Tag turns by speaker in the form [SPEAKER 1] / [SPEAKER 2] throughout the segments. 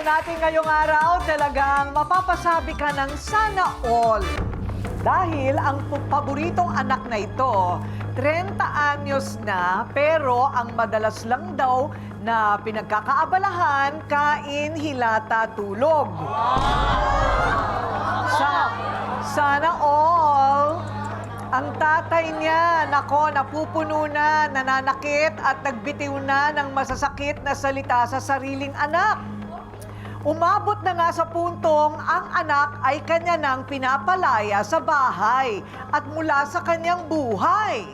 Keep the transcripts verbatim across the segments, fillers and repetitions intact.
[SPEAKER 1] natin ngayong araw, talagang mapapasabi ka ng sana all. Dahil ang pu- paboritong anak na ito, thirty anyos na, pero ang madalas lang daw na pinagkakaabalahan, kain, hilata, tulog. Sa, sana all. Ang tatay niya, nako, napupuno na, nananakit at nagbitiw na ng masasakit na salita sa sariling anak. Umabot na nga sa puntong ang anak ay kanya nang pinapalaya sa bahay at mula sa kanyang buhay.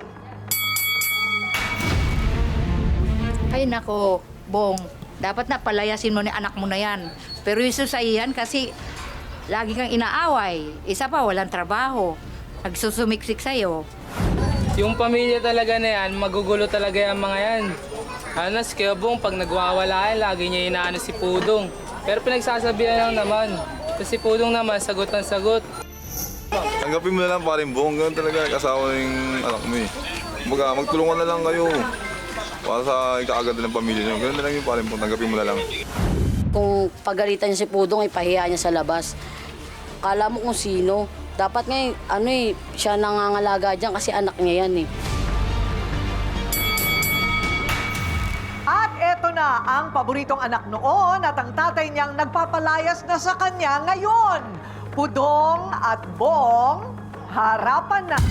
[SPEAKER 2] Ay nako, Bong, dapat na palayasin mo ni anak mo na yan. Pero yung susayihan kasi lagi kang inaaway. Isa pa, walang trabaho. Nagsusumiksik sa'yo.
[SPEAKER 3] Yung pamilya talaga na yan, magugulo talaga yung mga yan. Ano, si Kuya Bong, pag nagwawala yan, lagi niya inaano si Pudong. Pero pinagsasabihan lang naman. Kasi si Pudong naman, sagot ng sagot.
[SPEAKER 4] Tanggapin mo na lang parin Bong, ganun talaga kasawa ng anak mo eh. Kumbaga, magtulungan na lang kayo. Para sa ikakaganda ng pamilya niyo. Ganun na lang yung parin Bong, tanggapin mo na lang.
[SPEAKER 5] Kung pagalitan niya si Pudong, ipahiya niya sa labas. Kala mo kung sino. Dapat nga, ano eh, siya nangangalaga dyan kasi anak niya yan eh.
[SPEAKER 1] At eto na ang paboritong anak noon at ang tatay niyang nagpapalayas na sa kanya ngayon. Pudong at Bong, harapan na.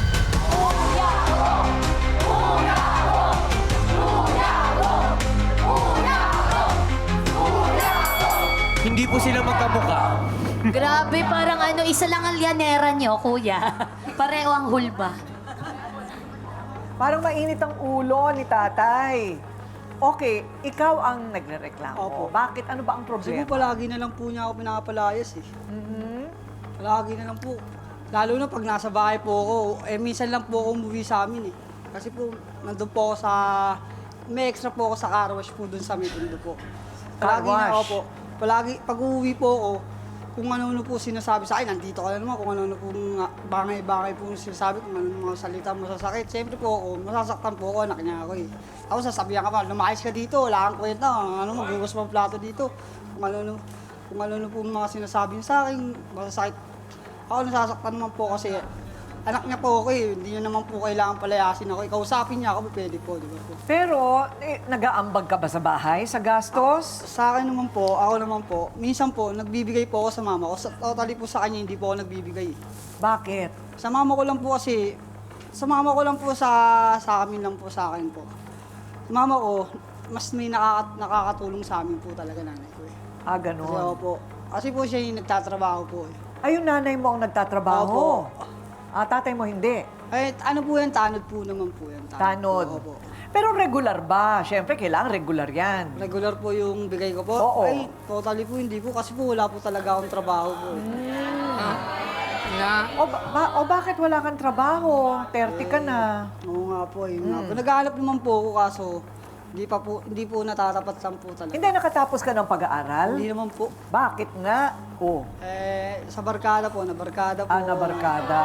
[SPEAKER 6] Hindi po sila magkamukha.
[SPEAKER 7] Grabe, parang ano, isa lang ang lianera nyo, kuya. Pareho ang hulba.
[SPEAKER 1] Parang mainit ang ulo ni tatay. Okay, ikaw ang nagrereklamo.
[SPEAKER 8] Opo.
[SPEAKER 1] Bakit? Ano ba ang
[SPEAKER 8] Kasi
[SPEAKER 1] problema?
[SPEAKER 8] po palagi na lang po niya ako pinapalayas eh.
[SPEAKER 1] Mhm.
[SPEAKER 8] Palagi na lang po. Lalo na pag nasa bahay po ako, eh minsan lang po ako umuwi sa amin eh. Kasi po, nandun po ako sa, may extra po ako sa car wash po dun sa Mitundo po. Palagi
[SPEAKER 1] Car
[SPEAKER 8] na ako
[SPEAKER 1] wash?
[SPEAKER 8] po. Palagi, pag uuwi po ako, kung ano-ano po sinasabi sa akin, nandito ka na naman, kung ano-ano po mga bangay-bangay po sinasabi, kung ano-ano mga salita masasakit. Siyempre po ako, masasaktan po ako, anak niya ako eh. Ako sasabihan ka pa, lumayas ka dito, wala kang kwenta, ano, maghugas mo ang plato dito. Kung ano-ano, kung ano-ano po mga sinasabi niya sa akin, masasakit. Ako nasasaktan naman po kasi anak niya po ako eh, hindi niya naman po kailangan palayasin ako. Ikausapin niya ako, pwede po, di ba po?
[SPEAKER 1] Pero, eh, nag-aambag ka ba sa bahay, sa gastos?
[SPEAKER 8] Sa akin naman po, ako naman po, minsan po, nagbibigay po ako sa mama ko. Sa, totally po sa kanya, hindi po ako nagbibigay.
[SPEAKER 1] Bakit?
[SPEAKER 8] Sa mama ko lang po kasi, sa mama ko lang po sa, sa amin lang po sa akin po. Sa mama ko, mas may nakaka, nakakatulong sa amin po talaga nanay ko eh.
[SPEAKER 1] Ah,
[SPEAKER 8] Kasi ako
[SPEAKER 1] ganon.
[SPEAKER 8] po, kasi po siya yung nagtatrabaho po eh.
[SPEAKER 1] Ay, yung nanay mo ang nagtatrabaho.
[SPEAKER 8] Opo.
[SPEAKER 1] Ah, tatay mo hindi.
[SPEAKER 8] Eh, ano po yan, tanod po naman po yan.
[SPEAKER 1] Tanod.
[SPEAKER 8] Po, opo.
[SPEAKER 1] Pero regular ba? Siyempre, kailangan regular yan.
[SPEAKER 8] Regular po yung bigay ko po?
[SPEAKER 1] Oo.
[SPEAKER 8] Ay, totally po hindi po kasi po wala po talaga akong trabaho po. eh.
[SPEAKER 2] Na,
[SPEAKER 1] O, ba- ba- o bakit wala kang trabaho? thirty ka na.
[SPEAKER 8] Oo nga po, yun
[SPEAKER 1] Hmm.
[SPEAKER 8] nga po. Naghahanap naman po ako kaso hindi pa po, hindi po natatapat lang po talaga.
[SPEAKER 1] Hindi nakatapos ka ng pag-aaral?
[SPEAKER 8] Hindi naman po.
[SPEAKER 1] Bakit nga? Oh,
[SPEAKER 8] Eh, sa barkada po, na barkada po.
[SPEAKER 1] ah, na barkada.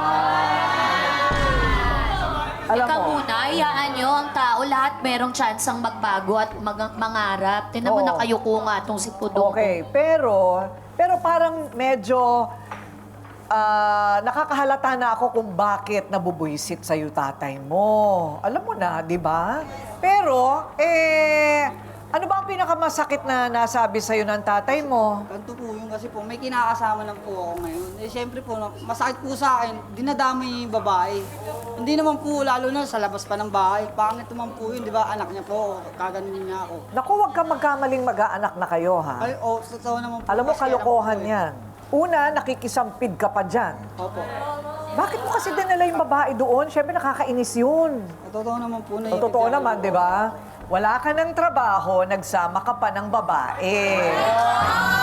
[SPEAKER 1] Alam
[SPEAKER 7] Ikaw
[SPEAKER 1] mo,
[SPEAKER 7] muna, hayaan nyo ang tao, lahat merong chance ang magbago at mag- mangarap. Tinan mo
[SPEAKER 1] Oo.
[SPEAKER 7] na kayo ko nga itong si Pudong.
[SPEAKER 1] okay, pero, pero parang medyo ah, nakakahalata na ako kung bakit nabubuisit sa'yo tatay mo. Alam mo na, di ba? Pero, eh, ano ba ang pinakamasakit na nasabi sa'yo ng tatay mo?
[SPEAKER 8] Ganito po yung kasi po, may kinakasama lang po ako ngayon. Eh, siyempre po, masakit po sa akin, dinadamay niya yung babae. Hindi naman po, lalo na sa labas pa ng bahay. Pangit naman po yun, di ba? Anak niya po, kaganin niya ako.
[SPEAKER 1] Naku, huwag ka magkamaling mag-aanak na kayo, ha?
[SPEAKER 8] Ay, oh, totoo naman po.
[SPEAKER 1] Alam mo,
[SPEAKER 8] kasi alam ko
[SPEAKER 1] kalokohan
[SPEAKER 8] po eh.
[SPEAKER 1] yan. Una, nakikisampid ka pa dyan.
[SPEAKER 8] Opo.
[SPEAKER 1] Bakit mo kasi dinala yung babae doon? Siyempre, nakakainis yun.
[SPEAKER 8] Totoo naman po na
[SPEAKER 1] O, totoo naman, di ba? Wala ka ng trabaho, nagsama ka pa ng babae.